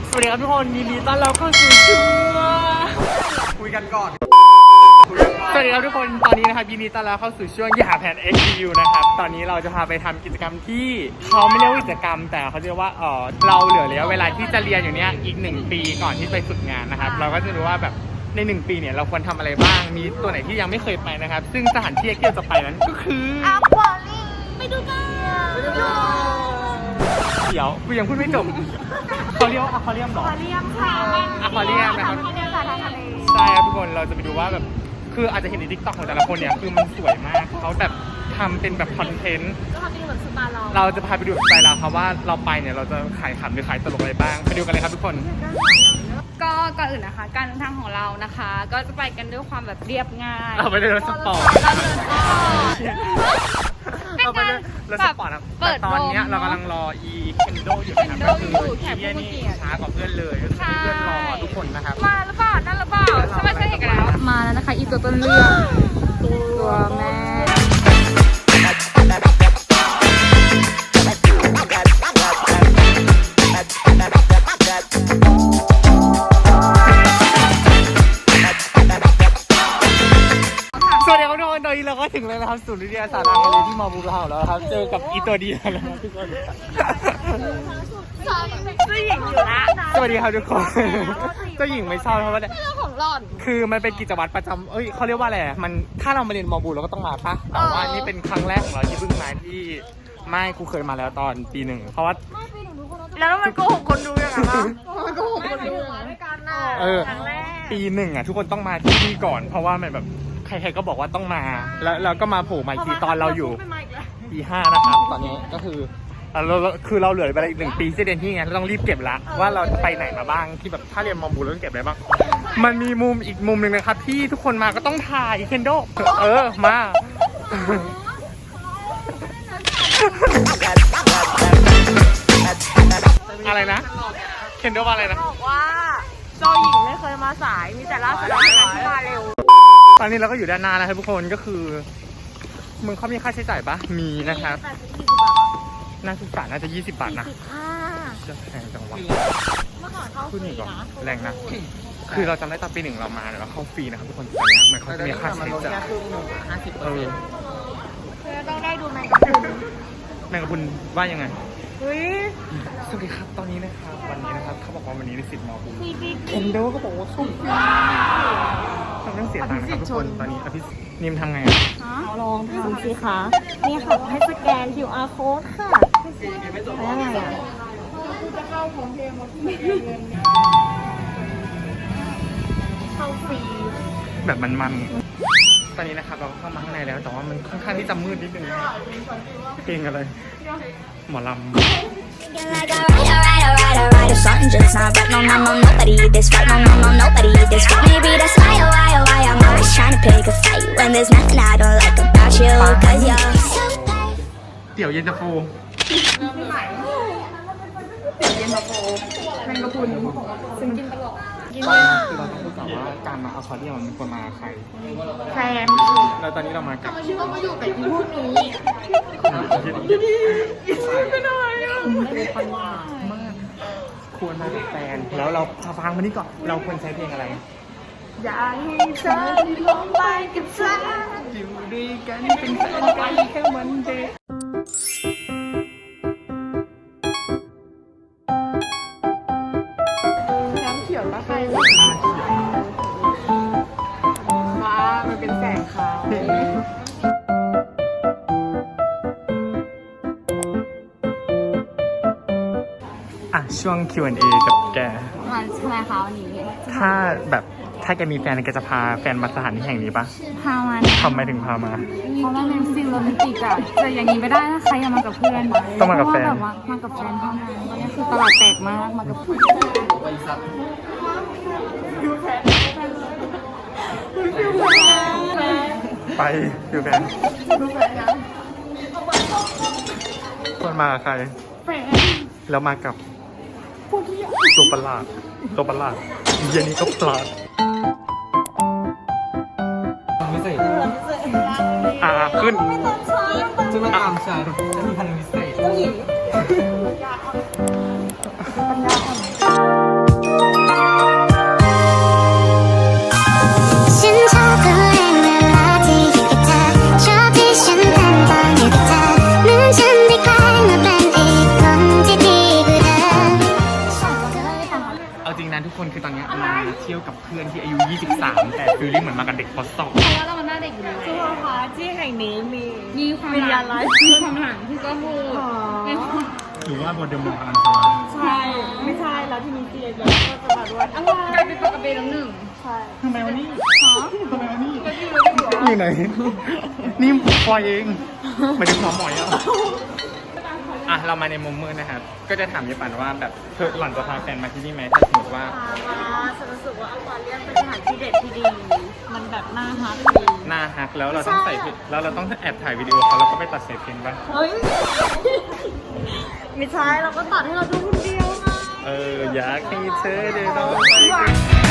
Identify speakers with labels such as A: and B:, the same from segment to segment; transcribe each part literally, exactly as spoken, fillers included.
A: สวัสดีครับทุกคนยินดีต้อนรับเข้าสู่ช่วงคุยกันก่อนสวัสดีครับทุกคนตอนนี้นะครับยินดีต้อนรับเข้าสู่ช่วงอย่าแผน เอ็กซ์ รีวิว นะครับตอนนี้เราจะพาไปทำกิจกรรมที่เขาไม่เรียกว่ากิจกรรมแต่เขาเรียกว่าเออเราเหลือระยะเวลาที่จะเรียนอยู่เนี้ยอีกหนึ่งปีก่อนที่ไปฝึกงานนะครับเราก็จะรู้ว่าแบบในหนึ่งปีเนี่ยเราควรทำอะไรบ้างมีตัวไหนที่ยังไม่เคยไปนะครับซึ่งสถานที่ที่เราจะไปนั้นก็คือ
B: อควาเรียมไปดูกัน
A: เดี๋ยวกูยังพูดไม่จบเขาเรียกว่าอะควาเรียมหรอ
B: อควาเรียมค่ะ
A: อะควาเรียมนะครับใช่ครับทุกคนเราจะไปดูว่าแบบคืออาจจะเห็นในทิกต็อกของแต่ละคนเนี่ยคือมันสวยมากเขาแบบทำเป็นแบบคอนเทนต์
B: ก็ทำเป็นเหมือนสปาเรา
A: เราจะพาไปดูสไตล์เราครับว่าเราไปเนี่ยเราจะขายขำหรือขายตลกอะไรบ้างไปดูกันเลยครับทุกคน
C: ก็ก่อนอื่นนะคะการเดินทางของเรานะคะก็จะไปกันด้วยความแบบเรียบง่าย
A: เราไปเดินรถสปอร์ตเราไปเดินรถสปอร์ตครับแต่ตอนนี้เรากำลังรออีเคนโดอยู่นะครับก็คือที่นี่ช้ากว่าเพื่อนเลยก็คือเพื่อนรอทุกคนนะครับ
C: มาแล้วเปล่านั่นแล้วเปล่าใช่ไหมใช่เห็นกันแล้วมาแล้วนะคะอีตัวต้นเรื่องตัวแม่
A: สวัสดีครับทุกคนตอนนี้เราก็ถึงแล้วนะครับศูนย์วิทยาศาสตร์ทางทะเลที่มอบูเราแล้วครับเจอกับอีตัวดีแล้วนะทุกคน
C: เจ้าหญิงอยู่ละ
A: สวัสดีครับทุกคนเจ้าหญิงไม่ชอบเพราะว่า
C: เรื่องของหล่อน
A: คือมันเป็นกิจวัตรประจำเอ้ยเขาเรียกว่าอะไรมันถ้าเรามาเรียนมอบูเราก็ต้องมาปะแต่ว่านี่เป็นครั้งแรกของเราที่เพิ่งมาที่ไม่กูเคยมาแล้วตอนปีหนึ่งเพราะว่า
C: แล้วมันโกหกคนดูยังไงวะมันโกหกคนดูด้วยกันน่ะครั้งแรก
A: ปีหนึ่งอ่ะทุกคนต้องมาที่นี่ก่อนเพราะว่ามันแบบใครๆก็บอกว่าต้องมาแล้วเราก็มาโผล่มาอีกทีตอนเราอยู่ปีห้านะครับตอนนี้ก็คือเราคือเราเหลือไปอีกหนึ่งปีที่เรียนที่ไงเราต้องรีบเก็บละว่าเราจะไปไหนมาบ้างที่แบบถ้าเรียนมอบูเราต้องเก็บอะไรบ้างมันมีมุมอีกมุมหนึ่งนะครับที่ทุกคนมาก็ต้องถ่ายเคนโดเออมาอะไรนะเคนโดว่าอะไรนะ
B: บอกว่าเจ้าหญิงไม่เคยมาสายมีแต่ล่าสุดที่มาเร็ว
A: ตอนนี้เราก็อยู่ด้านหน้านะครับทุกคนก็คือมึงเขามีค่าใช้จ่ายปะมีนะครับน่าศึกษาน่าจะยี่สิบบาทนะจะแพงจังวะ
B: เมื่อก่อนเข้าฟรีนะ
A: แรงนะคือเราจำได้ตอนปีหนึ่งเรามาเนี่ยเราเข้าฟรีนะครับทุกคนตอนนี้เหมือนเขาจะมีค่าใช้จ่ายเออ
B: ต้องได้ดูแมงกะพรุน
A: แมงกะพรุนว่ายังไง
B: เฮ้ย
A: สวัสดีครับตอนนี้นะครับวันนี้นะครับเขาบอกว่าวันนี้ในสิทธิ์มอบูเคนโดก็บอกว่าเข้าฟรีเราต้องเสียตังค์นะครับทุกคนตอนนี้อภินิมทำไงอ่ะ
B: เอาลองทำสิคะนี่ค่ะให้สแกน คิว อาร์ code ค่ะแล้วยังไงอ่ะจะเข้าของเพลงมาที่เข้าฟรี
A: แบบมันๆตอนนี้นะครับเราเข้ามาข้างในแล้วแต่ว่ามันค่อนข้างที่จะมืดนิดนึงเพลงอะไรหมอลำเดี๋ยวเย็นตาโฟ
C: เย็นตาโฟแมงกะพรุนซึ่งกินตลอด
A: คือเราต้องพูดก่อนว่าการมาอควาเรียมมันควรมาใคร
C: แฟน
A: แล้วตอนนี้เรามากับ
C: ชื่อว่ามาอยู่กับพวกนี้ไม่ได้
A: ไม่ค่อยมากควรมากับแฟนแล้วเราฟังมานี่ก่อนเราควรใช้เพลงอะไร
C: อยากให้เธอลงไปกับฉัน
A: อยู่ด้วยกันเป็นแฟนกันแค่วันเดียว
C: น้ำเขียวละใครว้ามันเป็นแสงขาว
A: อ่ะช่วง คิว แอนด์ เอ กับแก
C: มันใช่ไหมคะวันนี้
A: ถ้าแบบถ้าแกมีแฟนแกจะพาแฟนมาสถานที่แห่งนี้ปะ
C: พามา
A: ทำไมถึงพามา
C: เพราะว่าเป็นฟิลโรแมนติกอะแต่อย่างนี้ไม่ได้นะใครอย่ามากับเพื่อน
A: ต้องมากับแฟน
C: แบบว่ามากับแฟนเท่านั้นตอนนี้คือตลาดแตกมากมากับเพื่อน
A: ไปอยู่แฟนคนมากับใครแล้วมากับตัวประหลาดตัวประหลาดเย็นนี้ก็ประหลาดไม่ใช่อ่าขึ้น
D: จะมาตามฉันจะมีพลังพิเศษ
A: ริงๆนะทุกคนคือตอนนี้มาเที่ยวกับเพื่อนที่อายุ ยี่สิบสาม แต่ฟีลลิ่งเหมือนมากับเด็กป สอง
C: เพราะว่าเรามันหน้าเด็กอยู่แล้ว
B: ทุกคนคะที่แห่งนี้มี
C: มีความ
B: วิญ
C: ห
B: ญา
C: ลั
B: ณ
C: ง
B: ร้าย
C: มีความหลังที่ก็พูด
B: อ๋อ
C: มีความ
A: หรือว่าโมเดลมองพลังสว่าง
B: ใช่ไม่ใช่แล้วที่มีเตียงแล้วก็จะมาด้วยอะไร
C: กลายเป็นปากกระเบนแล้วหนึ่ง
B: ใช่
A: ทำไมวันนี้
C: ฮะ
A: ทำไมวันนี้อยู่ไหน นี่ปล่อยเองหมายถึงหมอหมอยอ่ะอ่ะเรามาในมุมมืดนะครับ ก็จะถามยายปั่นว่าแบบเธอหล่อนจะพาแฟนมาที่นี่ไหมถ้าสมมติว่า
B: พามาฉันรู้สึกว่าอควาเรียมเป็นสถานที่เด็ดที่ดี มันแบบน่าฮักดี
A: หน้าฮักแล้วเราต้องใส่เพลงแล้วเราต้องแอบถ่ายวิดีโอเขาแล้วก็ไปตัดเสพเพลงป่ะ
B: เฮ้ย ไม่ใช่เราก็ตัดให้เราดูคนเดียวไง
A: เอออยากให้เธอได้ลองไปกัน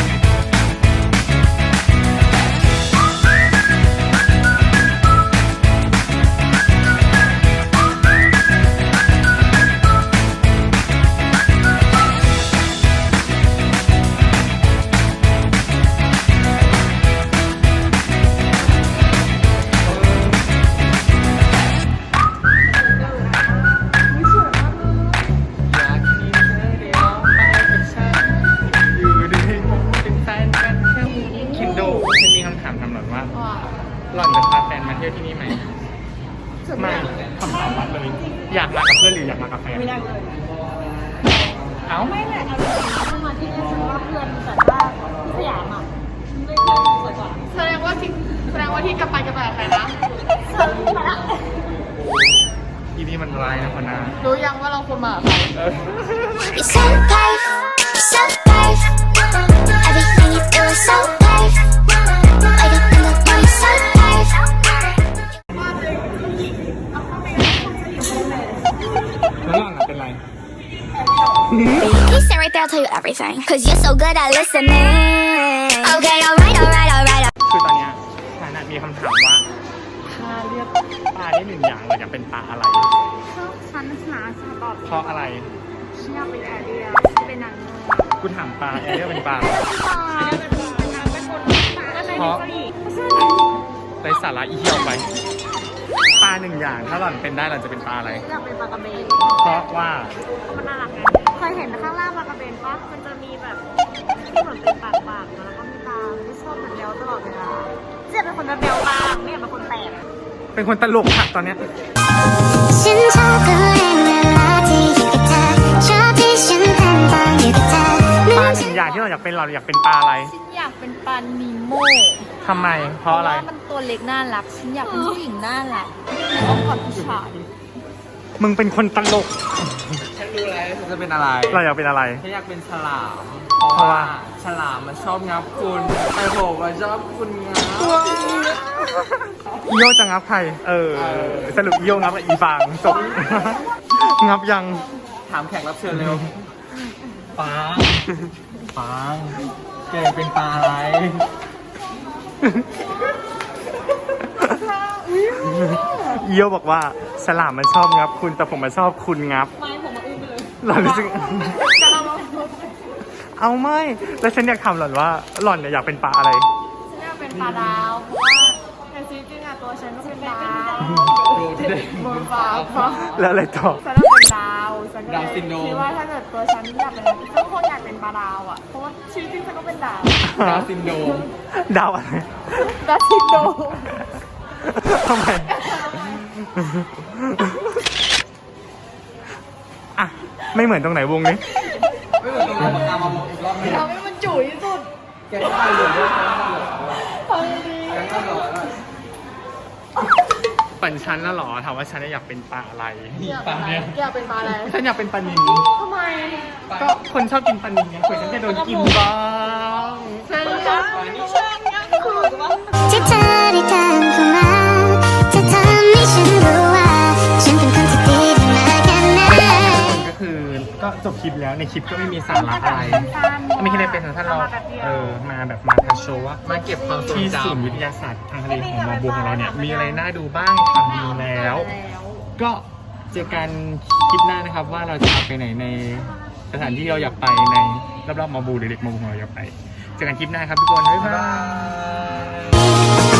A: อยากให้เธอได้ลองไปกับฉันอยู่ด้วยเป็นแฟนกันแค่คินโดฉันมีคำถามถามหล่อนว่า
C: ว่า
A: หล่อนจะพาแฟนมาเที่ยวที่นี่ไหมไม่คำถามวัดเลยอยากมากับเพื่อนหรืออยากมากับแฟน
B: ไม่ได้เลย
A: เอ้า
B: ไม่แหละเอาจริงๆถ้ามาที่นี่ฉันว่าเพื่อนแต่ว่าที่สยามอ่ะไม่เพื่อนสวยกว่า
C: แสดงว่าที่แสดงว่าที่กลับไปกลับไปกับใครนะ
B: ฉันมาละ
A: อีนี่มันร้ายนะคนนะ
C: รู้ยังว่าเราควรมากับใคร
A: เออ
E: You're so brave, you're so brave. Everything you do is so brave. Wake up in the morning, so brave.
A: แล้วหล่อนอะเป็นไร
E: You sit right there, I'll tell you everything. Cause you're so good at listening. Okay, alright, alright, alright.
A: คือตอนเนี้ยฉันน่ะมีคำถามว่า ถ้าเรียกปลาได้หนึ่งอย่างเราอยากเป็นปลาอะไร
C: ฉันหาฉันตอบ
A: เพราะอะไร
C: ฉันอยากเป็นแอเรียเป็นนางเงือก
A: กูถามปลาแอเรียกเป็นปลา
C: เป็นนางเป็นคนปลาอะไร
A: เพราะ
C: นี่
A: ไรสาระอีเหี้ยวไป ปลาหนึ่งอย่างถ้าหล่อนเป็นได้หล่อนจะเป็นปลาอะไร
B: อยากเป็นปลากระเบน
A: เพราะว่า
B: มันน่ารักไงเคยเห็นข้างล่างปลากระเบนปะมันจะมีแบบที่เหมือนเป็นปากปากๆแล้วก็มีตาไม่ชอบมันเบลตลอดเวลาเจ๊เป็นคนเบลบ้างไม่อยากเป็นคนแตก
A: เป็นคนตลกค่ะตอนเนี้ย
E: 신청구의 멜로디 you got that. tradition 팬방 you got that.
A: ปลาหนึ่งอย่างที่เราอยากเป็นเราอยากเป็นปลาอะไร
C: ฉันอยากเป็นปลานีโม
A: ทำไม เพราะอะไร
C: มันตัวเล็กน่ารัก ฉันอยากเป็นผู้หญิงน่ารักแต่ต้องกอดผู้ชาย
A: มึงเป็นคนตลก
D: ฉันรู้แล้วฉันจะเป็นอะไร
A: เราอยากเป็นอะไร
D: ฉันอยากเป็นฉลาม
A: เพราะว่า
D: ฉลามมันชอบงับคุณแต่ผมมันชอบคุณงับ
A: อีโยจะงับใคร เออ สรุปอีโยงับกับอีฟางจบ งับยัง
D: ถามแขกรับเชิญเร็วฟางฟางแกเป็นปลาอะไร
A: อีโยบอกว่าฉลามมันชอบงับคุณแต่ผมมันชอบคุณงับ
B: ไม่ผมมาอื้อไปเลย
A: หล่อนรู้สึก เอาไม่ แล้วฉันอยากถามหล่อนว่าหล่อนเนี่ยอยากเป็นปลาอะไร
B: ฉันอยากเป็นปลาดาวเพราะว่าในชีวิตจริงอะตัวฉันก็เป็นดาว
D: บนฟ้า
A: แล้วอะไรต่อ
B: ฉันต้องเป็นดาวฉันก็
D: ดาวน์ซินโดรม
B: คิดว่าถ้าเกิดตัวฉันอยากเป็นอะไรฉันก็คงอยากเป็นปลาดาวอะเพราะว่าชีวิตจริงฉันก็เป็นดาว
D: ดาวน์ซินโดรม
A: ดาวอะไร
B: ดาวซินโดรม
A: ทำไม อ่ะ ไม่เหมือนตรงไหนวงนี้
D: ไม่เหมือนตรงนั้นตามมาบอกอีกรอบหนึง
B: ทำให้มันจุ๋ยที่สุด
D: แกก็ไปเหลือด้วย
B: ทำยังดี
D: แกก็เหลือด้วย
A: ปั่นฉันน่ะเหรอ ถามว่าฉันอยากเป็นปลาอะไรปลาเนี่ย
B: อยากเป็นปลาอะไร
A: ฉันอยากเป็นปลานิล
B: ทำไม
A: ก็คนชอบกินปลานิลไงเผื่อฉันจะโดนกินบ้าง
B: ฉันรักฉันรักคุณว่า
E: 제자리 간 그만 자 탐이 신부와 신분 컨셉들이 나가나
A: ก็คือ ก็จบคลิปแล้ว ในคลิปก็ไม่มีสาระอะไร ไม่คิดอะไรเป็นท่านเราเออ มาแบบมาทัชโชว์ว่า
D: มาเก็บความทรง
A: ที่
D: จ
A: ศูนย์วิทยาศาสตร์ทางทะเลของมอบัวของเราเนี่ย มีอะไรน่าดูบ้างทำดีแล้ว ก็เจอกันคลิปหน้านะครับว่าเราจะไปไหนในสถานที่เราอยากไปในรอบๆมอบูหรือเด็กมอบูของเราอยากไป เจอกันคลิปหน้าครับทุกคน บ๊ายบาย
E: 내